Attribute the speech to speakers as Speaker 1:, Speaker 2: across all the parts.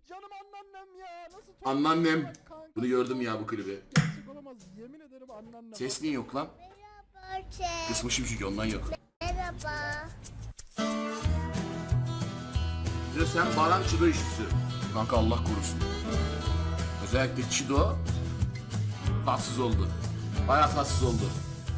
Speaker 1: Canım anneannem ya. Nasıl
Speaker 2: Anneannem.
Speaker 1: kanka?
Speaker 2: Bunu gördüm ya bu klibi.
Speaker 1: Gerçek olamaz. Yemin ederim anneannem.
Speaker 2: Ses niye yok lan?
Speaker 3: Merhaba Chat.
Speaker 2: Kısmışım çünkü ondan yok.
Speaker 3: Merhaba.
Speaker 2: Bir de sen Baran Çido işçisi. Kanka Allah korusun. Özellikle Çido tatsız oldu. Bayağı tatsız oldu.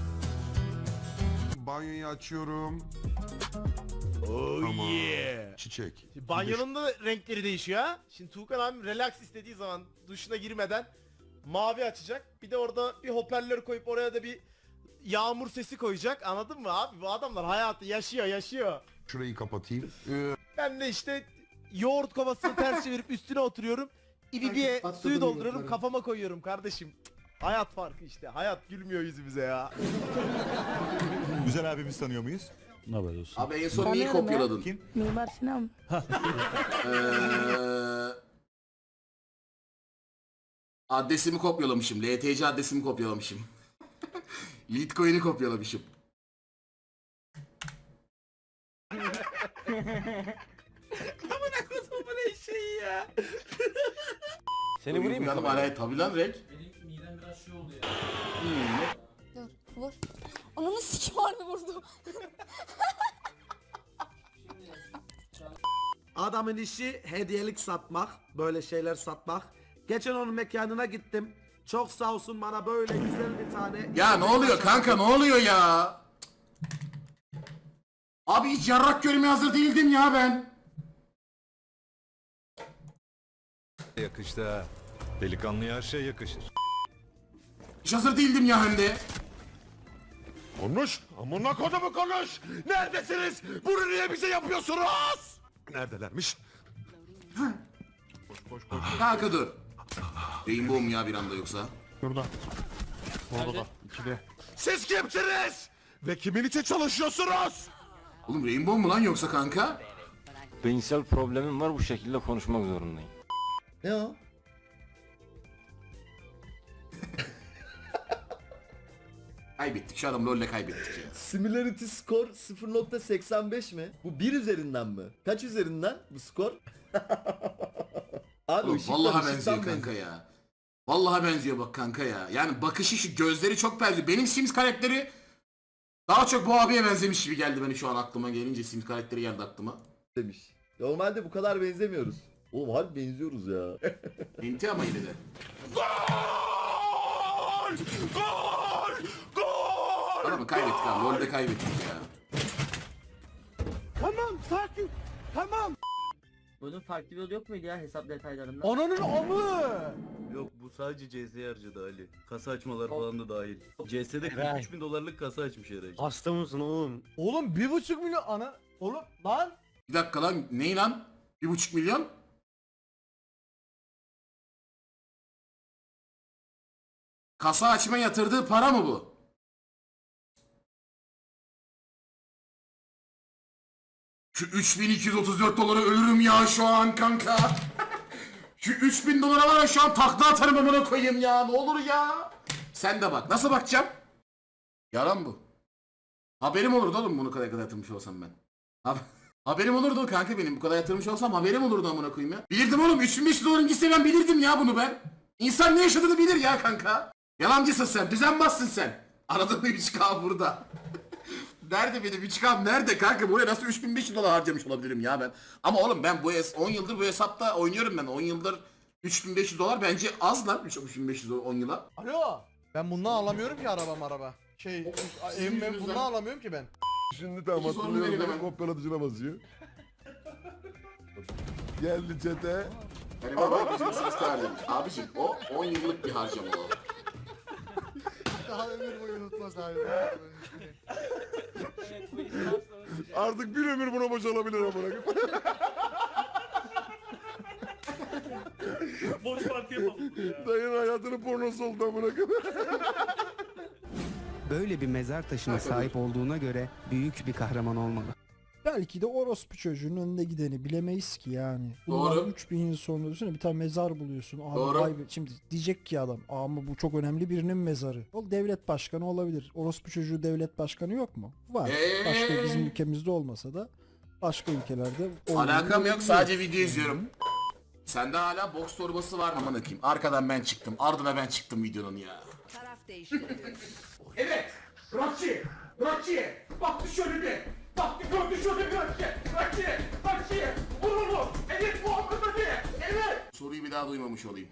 Speaker 4: Banyoyu açıyorum.
Speaker 5: Oh
Speaker 4: Tamam.
Speaker 5: yeah.
Speaker 4: Çiçek.
Speaker 5: Banyonun da renkleri değişiyor ha. Şimdi Tuğkan abi relax istediği zaman duşuna girmeden mavi açacak. Bir de orada bir hoparlör koyup oraya da bir yağmur sesi koyacak. Anladın mı abi? Bu adamlar hayatı yaşıyor.
Speaker 4: Şurayı kapatayım.
Speaker 5: Ben de işte yoğurt kovasını ters çevirip üstüne oturuyorum. İbibiye suyu dolduruyorum kafama koyuyorum kardeşim. Hayat farkı işte. Hayat gülmüyor yüzümüze ya.
Speaker 6: Güzel abimiz tanıyor muyuz?
Speaker 7: Ne haber olsun?
Speaker 2: Abi en son neyi
Speaker 8: Tanıyorum ya.
Speaker 2: kopyaladın?
Speaker 6: Kim?
Speaker 8: Mimar Sinan.
Speaker 2: Adresimi kopyalamışım. LTC adresimi kopyalamışım. Litecoin'i kopyalamışım.
Speaker 9: Seni vurayım mı?
Speaker 2: Kameraya tabi lan Rek.
Speaker 10: Dur vur. Ananı sikim harbi vurdu.
Speaker 9: Adamın işi hediyelik satmak, böyle şeyler satmak. Geçen onun mekanına gittim. Çok sağ olsun bana böyle güzel bir tane...
Speaker 2: Ya ne oluyor kanka, ne oluyor ya? Abi hiç yarrak görmeye hazır değildim ya ben.
Speaker 6: Yakıştı ha. Delikanlıya her şey yakışır.
Speaker 2: Hiç hazır değildim ya hem de.
Speaker 4: Konuş. Amına kodumu konuş. Neredesiniz? Bunu niye bize yapıyorsunuz? Neredelermiş?
Speaker 2: Kanka dur. Rainbow mu ya bir anda yoksa?
Speaker 1: Şurada. Orada da. İkide.
Speaker 4: Siz kimsiniz? Ve kimin için çalışıyorsunuz?
Speaker 2: Oğlum Rainbow mu lan yoksa kanka?
Speaker 9: Beyinsel problemim var, bu şekilde konuşmak zorundayım.
Speaker 11: Ne o?
Speaker 2: Kaybettik şu adam LoL'le kaybettik ya.
Speaker 11: Similarity score 0.85 mi? Bu 1 üzerinden mi? Kaç üzerinden bu skor? Abi
Speaker 2: Oğlum
Speaker 11: ışıktan-
Speaker 2: vallahi
Speaker 11: ışıktan
Speaker 2: benziyor kanka ya. Vallahi benziyor bak kanka ya. Yani bakışı şu gözleri çok benziyor. Benim Sims karakteri daha çok bu abiye benzemiş gibi geldi beni şu an aklıma gelince Sims karakteri geldi aklıma.
Speaker 11: demiş. Normalde bu kadar benzemiyoruz. Oğlum harbi benziyoruz ya.
Speaker 2: Enti ama yine de.
Speaker 4: Gol! Gol! Gol!
Speaker 2: Adamı kaybettik abi. LoL'de kaybettik ya.
Speaker 9: Bunun farklı bir yolu yok muydu ya hesap detaylarında?
Speaker 1: Ananın amı.
Speaker 9: Yok, bu sadece CS'ye harcadı Ali. Kasa açmalar falan da dahil. CS'de 43.000 dolarlık kasa açmış herhalde.
Speaker 5: Hasta mısın oğlum?
Speaker 1: Oğlum 1,5 milyon ana. Oğlum lan.
Speaker 2: Bir dakika lan. Ney lan? 1,5 milyon? Kasa açma yatırdığı para mı bu? Şu 3234 dolara ölürüm ya şu an kanka. Şu 3000 dolara var ya şu an takla atarım amına koyayım ya. Ne olur ya. Sen de bak. Nasıl bakacağım? Yalan bu. Haberim olurdu oğlum bunu kadar yatırmış olsam ben. Haberim olurdu kanka benim bu kadar yatırmış olsam haberim olurdu amına koyayım ya. Bilirdim oğlum 3500 doların gitse ben bilirdim ya bunu ben. İnsan ne yaşadığını bilir ya kanka. Yalancısın sen, düzenbazsın sen. Aradığın bir 3K burada. Nerede benim 3K'm nerede kanka? Buraya nasıl 3500 dolar harcamış olabilirim ya ben. Ama oğlum ben bu 10 yıldır bu hesapta oynuyorum ben. 10 yıldır 3500 dolar bence az lan. 3500 10 yıla.
Speaker 1: Alo. Ben bundan alamıyorum ki araba. Evim
Speaker 2: yüzünüzden.
Speaker 1: bundan alamıyorum ki ben.
Speaker 4: Şimdi tam
Speaker 2: İki sorunu
Speaker 4: hatırlıyorum
Speaker 2: verin
Speaker 4: beni
Speaker 2: hemen.
Speaker 4: kopyalatıcına basıyor. Geldi çete.
Speaker 2: Hani baba bizim siz kardeşim. Abicim o 10 yıllık bir harcama o.
Speaker 1: Daha ömür boyu unutmaz abi.
Speaker 4: Artık bir ömür buna boşalabilir amına koyayım.
Speaker 5: Boş parti yapalım.
Speaker 4: Dayın hayatının pornosu oldu amına koyayım.
Speaker 12: Böyle bir mezar taşına sahip olduğuna göre büyük bir kahraman olmalı.
Speaker 1: Belki de orospu çocuğun önünde gideni bilemeyiz ki yani.
Speaker 2: Doğru.
Speaker 1: Bundan 3000 yıl sonra düşünsene bir tane mezar buluyorsun. Abi
Speaker 2: Doğru.
Speaker 1: vay be. Şimdi diyecek ki adam ama bu çok önemli birinin mezarı. O devlet başkanı olabilir. Orospu çocuğu devlet başkanı yok mu? Var. Başka bizim ülkemizde olmasa da başka ülkelerde olduğunu
Speaker 2: Alakam yok
Speaker 1: biliyoruz.
Speaker 2: sadece video izliyorum. Sende hala boks torbası var mı amına koyayım? Arkadan ben çıktım. Ardına ben çıktım videonun ya.
Speaker 10: Taraf değiştiriliyor.
Speaker 2: Evet. Rocky. Baktı şöyle bir. Baktı gördü şöyle bir Rocky. Vur onu. Evet Muhammed Ali. Evet. Soruyu bir daha duymamış olayım.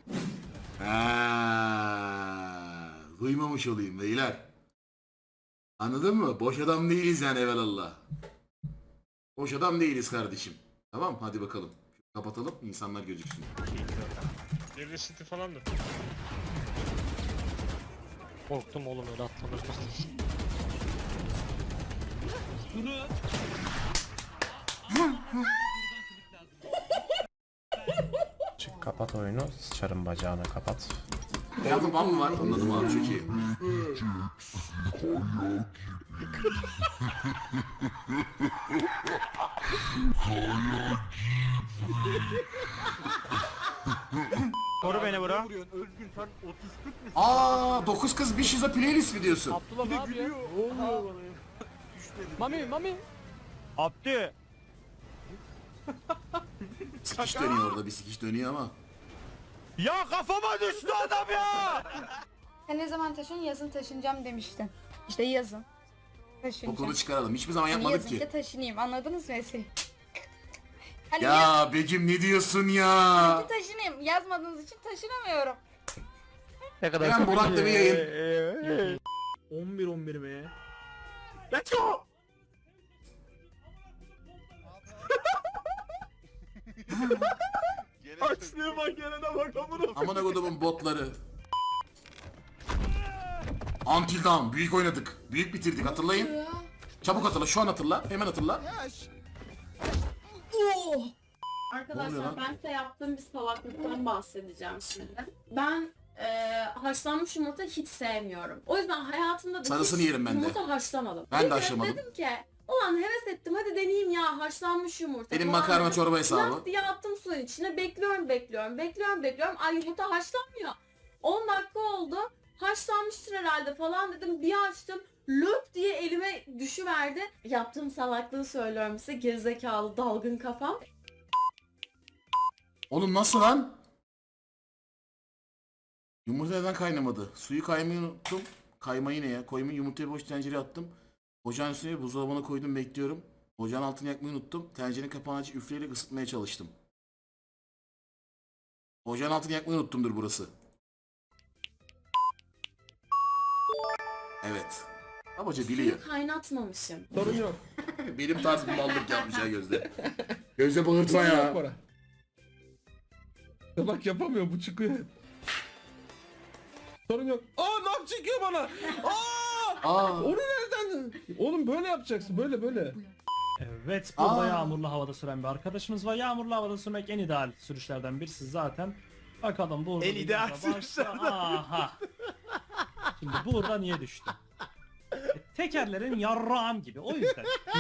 Speaker 2: Duymamış olayım beyler. Anladın mı? Boş adam değiliz yani evelallah. Boş adam değiliz kardeşim. Tamam hadi bakalım. Kapatalım insanlar gözüksün.
Speaker 4: Devre City falandır.
Speaker 5: Korktum oğlum öyle atlanır.
Speaker 7: Kapat oyunu, sıçarım bacağına kapat.
Speaker 2: Hayatım ban mı var? Anladım abi çok iyi.
Speaker 5: Koru beni bro.
Speaker 2: Aa 9 kız bir şizo playlist mi diyorsun?
Speaker 5: Abdullah ne yapıyor? Mami. Abdü.
Speaker 2: Sikiş dönüyor orada bir sikiş dönüyor ama.
Speaker 5: Ya kafama düştü adam ya.
Speaker 10: Sen ne zaman taşın? Yazın taşınacağım demiştin. İşte yazın. Taşınacağım.
Speaker 2: Okulu çıkaralım. Hiçbir zaman
Speaker 10: Yani
Speaker 2: yapmadık
Speaker 10: yazınca
Speaker 2: ki.
Speaker 10: taşınayım. Anladınız mı Esin? Hani
Speaker 2: Ya Begüm ne diyorsun ya?
Speaker 10: yazınca taşınayım. Yazmadığınız için taşınamıyorum.
Speaker 5: Ne kadar
Speaker 2: Hemen Burak'la bir yayın.
Speaker 5: 11 mi? Let's go. Açlığı bak yerine bak amına.
Speaker 2: Amına kodumun botları. Until Dawn. Büyük oynadık. Büyük bitirdik hatırlayın. Çabuk hatırla. Şu an hatırla. Hemen hatırla. Ne oluyor lan?
Speaker 3: Arkadaşlar ben size yaptığım bir salaklıktan bahsedeceğim şimdi. Ben haşlanmış yumurta hiç sevmiyorum. O yüzden hayatımda da
Speaker 2: Sarısını
Speaker 3: hiç
Speaker 2: yerim ben de.
Speaker 3: yumurta haşlamadım.
Speaker 2: Ben de
Speaker 3: Bir gün
Speaker 2: haşlamadım.
Speaker 3: Dedim ki ulan heves ettim hadi deneyeyim ya haşlanmış yumurta.
Speaker 2: Benim
Speaker 3: falan
Speaker 2: makarna
Speaker 3: dedim.
Speaker 2: çorba hesabı.
Speaker 3: Lak diye attım suyun içine bekliyorum. Ay yumurta haşlanmıyor. 10 dakika oldu. Haşlanmıştır herhalde falan dedim. Bir açtım. Löp diye elime düşüverdi. Yaptığım salaklığı söylüyorum size. Gerizekalı dalgın kafam.
Speaker 2: Oğlum nasıl lan? Yumurta neden kaynamadı? Suyu kaymayı unuttum. Kaymayı ne ya? Koymayı yumurtayı boş tencereye attım. Ocağın üstüne buzdolabına koydum bekliyorum. Ocağın altını yakmayı unuttum. Tencerenin kapağını açıp üfleyerek ısıtmaya çalıştım. Ocağın altını yakmayı unuttumdur burası. Evet. Abaca biliyor.
Speaker 3: Suyu kaynatmamışım.
Speaker 9: Sorun yok.
Speaker 2: Benim tarz bir mallık yapmış ha Gözde. Gözde bağırtma ya.
Speaker 9: Bak yapamıyor bu çıkıyor hep. Sorun yok. Nam çıkıyor bana.
Speaker 2: Aa.
Speaker 9: Onu nereden? Oğlum böyle yapacaksın böyle.
Speaker 8: Evet, burada yağmurlu havada süren bir arkadaşımız var. Yağmurlu havada sürmek en ideal sürüşlerden birisi zaten. Bakalım burada
Speaker 5: En
Speaker 8: bir
Speaker 5: ideal
Speaker 8: başla.
Speaker 5: sürüşlerden.
Speaker 8: Aha. Şimdi burada niye düştü? Tekerlerin yarrağım gibi, o yüzden.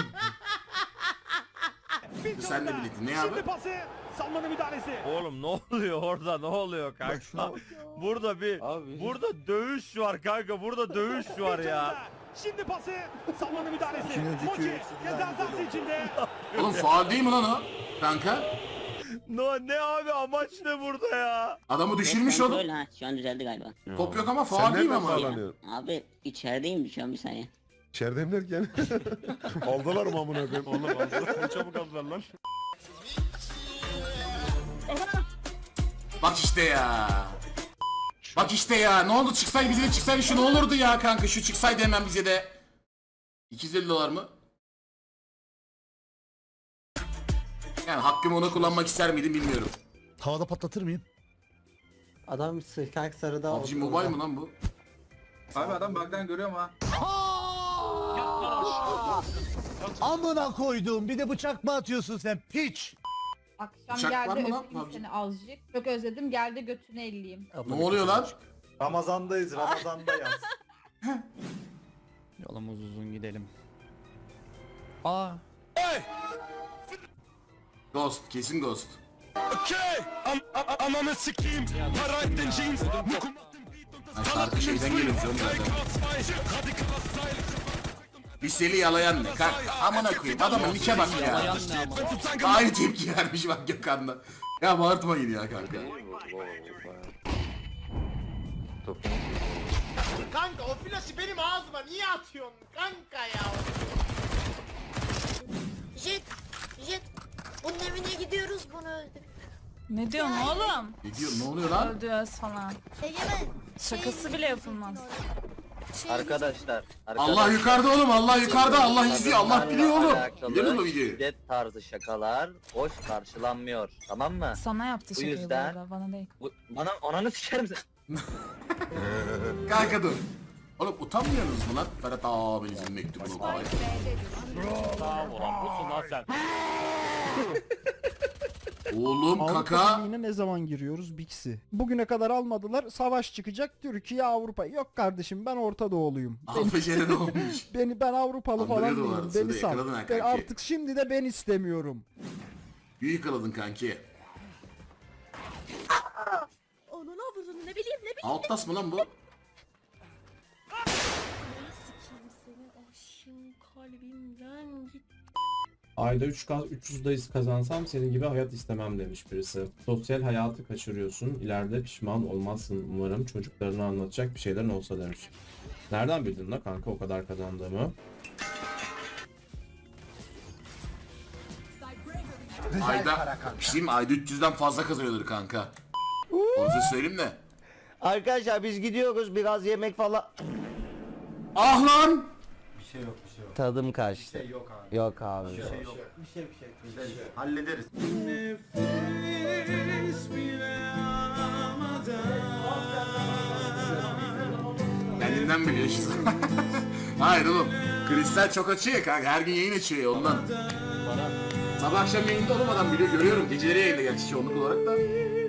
Speaker 2: Senle birlikte ne abi?
Speaker 5: Pası. Salmanın müdahalesi.
Speaker 7: Oğlum ne oluyor orada, ne oluyor kanka? Burada burada dövüş var kanka, burada dövüş var ya.
Speaker 5: Şimdi pası. Salmanın müdahalesi. Mochi. Ceza sahası içinde.
Speaker 2: Oğlum faul değil mi lan o? Kanka.
Speaker 7: Ne abi, amaç ne burada ya?
Speaker 2: Adamı düşürmüş oğlum.
Speaker 13: Öyle şu an düzeldi galiba.
Speaker 2: Top yok ama faul değil mi ama?
Speaker 13: Abi içerideyim şu an bir saniye.
Speaker 4: İçerideyim derken. Aldılar mı amına koyayım?
Speaker 7: Oğlum aldılar, çabuk aldılar lan.
Speaker 2: Bak işte ya. Bak işte ya. Ne oldu çıksaydı bize de çıksaydı şu ne olurdu ya kanka. Şu çıksaydı hemen bize de. 250 dolar mı? Yani hakkımı ona kullanmak ister miydim bilmiyorum.
Speaker 4: Havada patlatır mıyım?
Speaker 12: Adam sıkak sarıda
Speaker 2: PUBG Mobile mi lan bu?
Speaker 11: Abi adam bug'dan görüyorum ha.
Speaker 4: Amına koyduğum, bir de bıçak mı atıyorsun sen piç?
Speaker 10: Akşam
Speaker 2: Bıçak var
Speaker 10: geldi
Speaker 2: mı lan?
Speaker 10: öpeyim seni azıcık. Çok özledim geldi götünü elleyeyim.
Speaker 2: Ne oluyor lan?
Speaker 11: Ramazandayız Ramazandayız.
Speaker 12: Yolumuz uzun gidelim.
Speaker 2: Ghost. Kesin Ghost.
Speaker 4: Ananı sikeyim. Para ettin jeans.
Speaker 2: Ay şarkı şeyden geliyor canım zaten. Liseli yalayan ne kanka? Amına koyayım adamın nike bak ya. Aynı tepki vermiş bak Gökhan'da. Ya bağırtmayın ya kanka.
Speaker 5: Kanka o flaşı benim ağzıma niye atıyorsun kanka ya?
Speaker 10: Jet. Bunun evine gidiyoruz, bunu öldür.
Speaker 3: Ne diyorsun oğlum?
Speaker 2: Ne diyor, ne oluyor lan?
Speaker 3: Öldürüyoruz falan.
Speaker 10: Egemen.
Speaker 3: Şakası bile yapılmaz.
Speaker 11: Arkadaşlar.
Speaker 2: Allah yukarıda oğlum, Allah yukarıda, Allah izliyor, Allah biliyor oğlum. Biliyor musun o videoyu?
Speaker 11: Şiddet tarzı şakalar hoş karşılanmıyor. Tamam mı?
Speaker 3: Sana yaptı
Speaker 11: Bu yüzden-
Speaker 3: bana değil.
Speaker 11: Bana ananı sikerim sen.
Speaker 2: Kanka dur. Oğlum utanmıyorsunuz mu lan? Ferhat abinizin mektubunu okuyayım.
Speaker 7: Tamam ulan busun lan sen.
Speaker 2: Oğlum
Speaker 1: Avrupa
Speaker 2: kaka.
Speaker 1: Birliği'ne ne zaman giriyoruz? Bixi. Bugüne kadar almadılar. Savaş çıkacak. Türkiye, Avrupa. Yok kardeşim, ben Orta Doğuluyum.
Speaker 2: Afecere ne olmuş?
Speaker 1: Ben Avrupalı falan
Speaker 2: Anlıyordu
Speaker 1: değilim.
Speaker 2: orası,
Speaker 1: Beni
Speaker 2: da
Speaker 1: sal.
Speaker 2: yakaladın ha
Speaker 1: Ben
Speaker 2: kanki.
Speaker 1: artık şimdi de ben istemiyorum.
Speaker 2: Büyük yakaladın kanki.
Speaker 3: Onu ne yapıyorsun? Ne bileyim.
Speaker 2: Outlast mı lan bu?
Speaker 3: Kalbimden git.
Speaker 8: Ayda 300 dayısı kazansam senin gibi hayat istemem demiş birisi. Sosyal hayatı kaçırıyorsun. İleride pişman olmazsın umarım. Çocuklarına anlatacak bir şeylerin olsa demiş. Nereden bildin la kanka o kadar kazandığımı?
Speaker 2: Ayda, bir şey mi? Ayda 300'den fazla kazanıyordur kanka. Onu size söyleyeyim de.
Speaker 4: Arkadaşlar biz gidiyoruz biraz yemek falan.
Speaker 2: Ah lan!
Speaker 4: Tadım kaçtı. Yok abi.
Speaker 2: Hallederiz. Kendinden biliyor işte. Hayır oğlum. Kristal çok açıyor ya kanka. Her gün yayın açıyor ya ondan. Sabah akşam yayında olmadan biliyor. Görüyorum. Geceleri yayında gerçi çoğunluk olarak da.